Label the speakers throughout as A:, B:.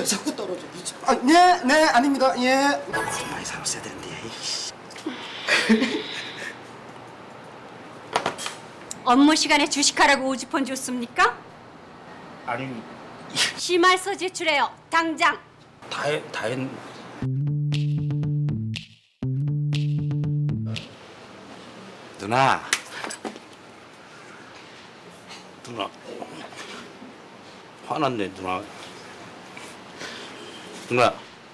A: 자꾸 떨어져. 아, 네, 아닙니다. 예.
B: 많이 사왔어야 되는데.
C: 업무 시간에 주식하라고 오지폰 줬습니까?
B: 아니
C: 심할서 제출해요. 당장.
B: 다 했. 누나. 화났네 누나. 누나.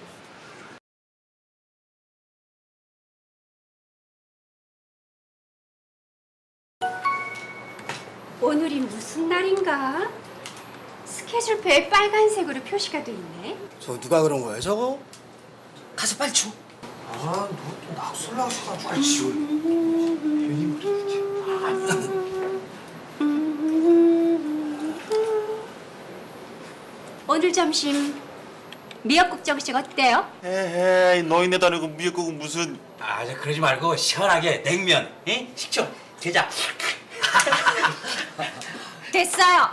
C: 오늘이 무슨 날인가? 스케줄표에 빨간색으로 표시가 돼 있네.
A: 저 누가 그런 거예요, 저거?
B: 가서 빨리 줘.
A: 아, 너또 낙술 나셔가지고. 아이, 지워. 괜히 그러지.
C: 오늘 점심 미역국 정식 어때요?
D: 에헤이 노인네도 아니고 미역국은 무슨.
B: 아, 저 그러지 말고 시원하게 냉면, 에? 식초, 게장.
C: 됐어요.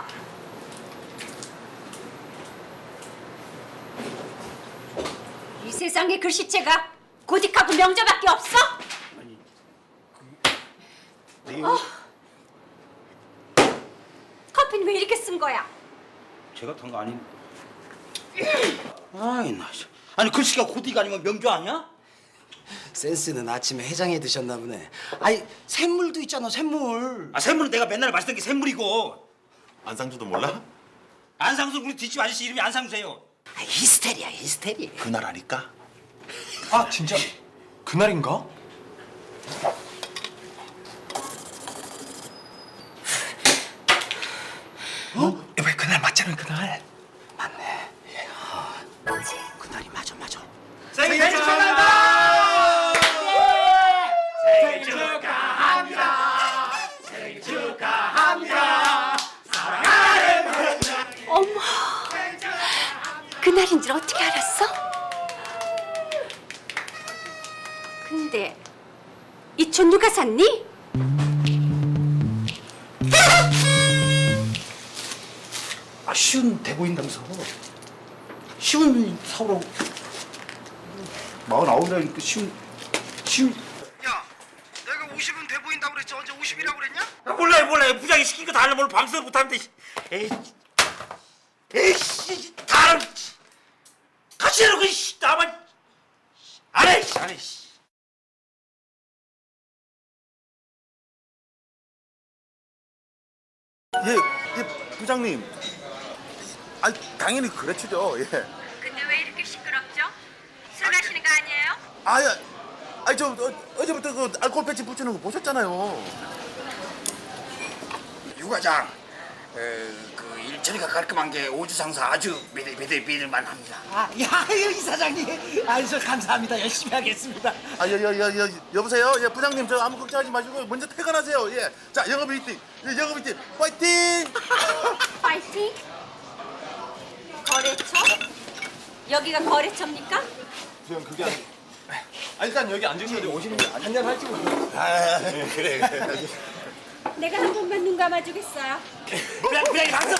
C: 이 세상에 글씨체가 고딕하고 명저밖에 없어? 커피는 왜 이렇게 쓴 거야?
B: 제가 탄 거 아닌. 아이 나. 아니 글씨가 고딕 아니면 명조 아니야?
A: 센스는 아침에 해장해 드셨나 보네. 아니, 샘물도 있잖아, 샘물.
B: 아 샘물은 내가 맨날 마시던 게 샘물이고.
D: 안상주도 몰라?
B: 안상수 우리 뒷집 아저씨 이름이 안상수예요.
A: 아, 히스테리야, 히스테리.
D: 그날 아니까?
E: 아 진짜 그날인가?
B: 왜 그날 맞잖아 그날.
A: 맞네. 그날이 맞아.
B: 생일 축하한다.
C: 생일 축하합니다. 어머, 그날인 줄 어떻게 알았어? 근데 이 촌 누가 샀니?
B: 아 쉬운 돼 보인다면서. 쉬운 사오라고. 49이라니까 쉬운.
A: 야, 내가 50은 돼 보인다고 그랬지. 언제 50이라고 그랬냐?
B: 아, 몰라요. 부장이 시킨 거 다 하려면 방송 못하는데. 에이씨, 다 알아. 같이 해놓고 나만 안 해.
D: 예, 부장님. 아, 당연히 그렇죠. 예.
C: 근데 왜 이렇게 시끄럽죠? 술 마시는 거 아니에요?
D: 아야, 저 어제부터 그 알코올 패치 붙이는 거 보셨잖아요.
B: 유 과장, 그 일처리가 깔끔한 게 오주상사 아주 믿을만합니다.
F: 야, 이 사장님. 저 감사합니다. 열심히 하겠습니다.
D: 여보세요. 예, 부장님 저 아무 걱정하지 마시고 먼저 퇴근하세요. 예, 자 영업 일팅, 파이팅.
C: 파이팅! 거래처? 여기가 거래처입니까?
E: 그냥 그게 일단 여기 앉으셔도 오시는 게 한잔 할지 뭐.
D: 그래.
C: 내가 한 번만 눈 감아주겠어요.
B: 부장님 방송.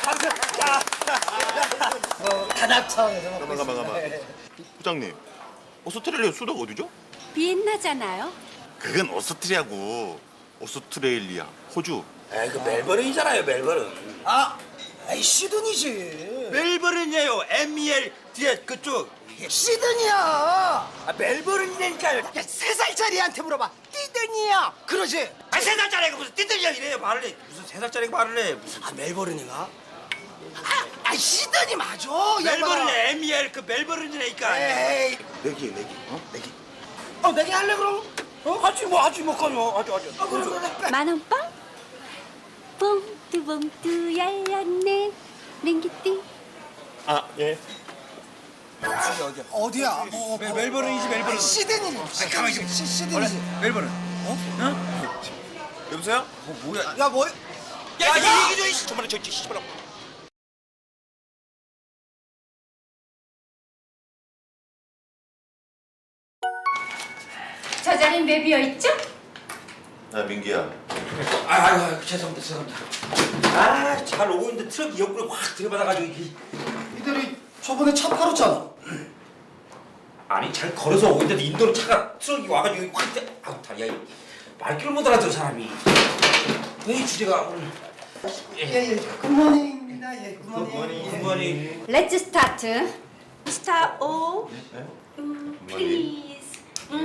F: 단합 차원에서.
D: 가만. 부장님, 오스트레일리아 수도가 어디죠?
C: 비엔나잖아요.
D: 그건 오스트리아고 오스트레일리아, 호주.
B: 그 멜버른이잖아요, 멜버른.
F: 시드니지.
B: 멜버른이에요. MEL 뒤에 그쪽.
F: 시드니야.
B: 멜버른이라니까요.
F: 3살짜리한테 물어봐. 시드니야. 그러지.
B: 3살짜리가 무슨 띠들이야 이래요 말을 해. 무슨 3살짜리가 말을 해. 무슨
F: 멜버른이가? 시드니 맞아.
B: 멜버른이야. MEL 그 멜버른이라니까.
F: 에이.
D: 내기.
F: 내기 할래 그럼?
B: 하지 뭐 거요. 아주.
F: 그래.
C: 만원빵? 봉투 열렸네. 맹기띠.
D: 아, 예.
F: 어디야?
B: 멜버른이지 멜버른.
F: 시드니.
B: 가만히 좀.
F: 시드니지.
B: 멜버른.
D: 여보세요?
B: 뭐야?
F: 야, 뭐?
B: 야, 이 얘기 좀 이씨. 저만에 저 씨발아.
C: 저 자리는 왜 비어있죠?
D: 아, 민기야.
B: 아유, 죄송합니다. 잘 오고 있는데 트럭이 옆구리 확 들이받아가지고 이게.
D: 이들이
A: 저번에 차 팔았잖아.
B: 아니 잘 걸어서 오고 있는데 인도로 차가 트럭이 와가지고 확 아우 다야 말귀를 못 알아듣는 사람이 이 주제가 오늘
A: 예, 굿모닝입니다. 예, 굿모닝.
B: 굿모닝.
C: Let's start. Star O. Please.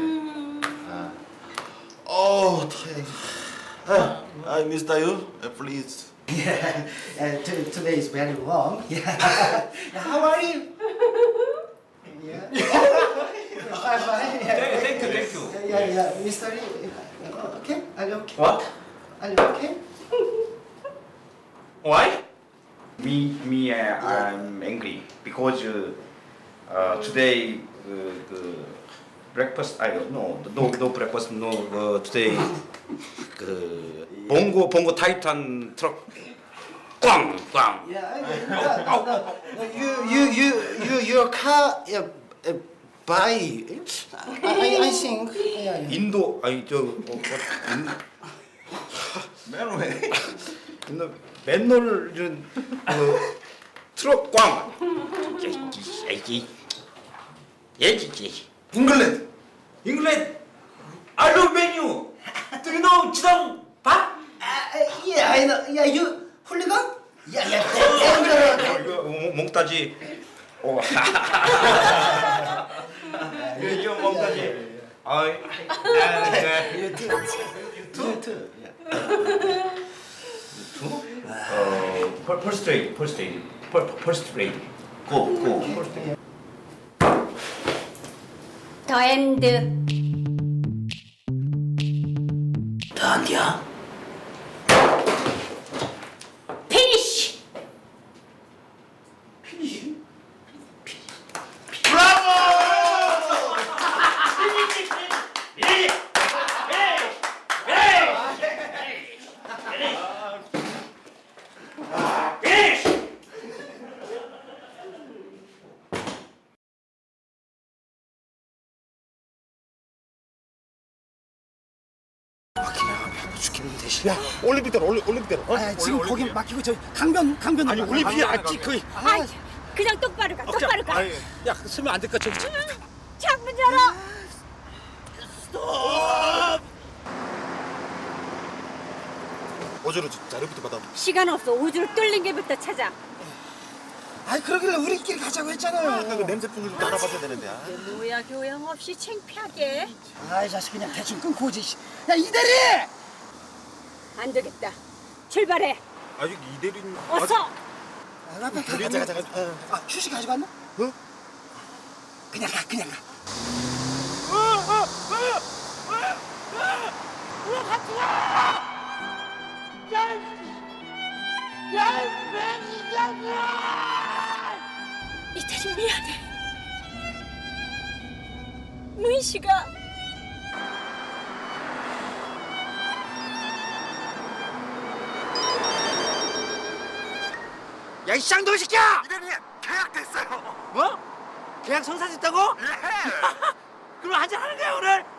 D: 어, 타야. I missed you. Please.
A: Yeah, today is very long. Yeah. How are you? Yeah. Fine, fine. Yeah.
B: Thank you.
A: Yeah, Mr. Lee. Okay? Are you okay?
B: What?
A: Are you okay?
B: Why? Me, I'm angry because today breakfast. I don't know. No breakfast. No today. 봉고 타이탄 트럭 꽝.
A: Yeah. Your car. Buy. I think. Yeah.
B: 인도 아니
D: 맨왜?
B: 맨홀 트럭 꽝.
D: 잉글랜드.
B: 잉글랜드. I love menu. Do you know 지성 밥?
A: Yeah, I know. Yeah, you hooligan? Yeah. Dangerous.
B: 이거 몽따지. 오. 이거 몽따지. 아이.
A: You too.
B: First grade.
D: 고.
C: 더 엔드.
A: 어디야?
C: 피니쉬.
A: 죽겠는 대신.
D: 야, 올림픽대로.
A: 아, 지금 거기 막히고 저 강변.
E: 아니 올림픽이 아직 거의.
C: 아이, 그냥 똑바로 가. 똑바로 가.
E: 야 쓰면 안 될까 저기.
C: 창문 열어.
D: 어제로 자료부터 받아.
C: 시간 없어. 우주를 뚫린 게부터 찾아.
A: 아이, 그러길래 우리끼리 가자고 했잖아요.
D: 아까 그 냄새 풍기 좀 알아봤어야 되는데. 아.
C: 뭐야 교양 없이 창피하게.
A: 아이, 자식 그냥 대충 끊고 오지. 야, 이대리!
C: 안 되겠다. 출발해.
E: 아직 이대리님.
C: 어서.
A: 아, 빨리 가자. 아, 휴식 가지고 왔나? 어? 그냥 가.
C: 이태리 미안해. 문씨가
F: 야, 이 쌍둥이 새끼야!
D: 이대리 계약됐어요.
F: 뭐? 계약 성사됐다고?
D: 예.
F: 그럼 한잔 하는 거야, 오늘?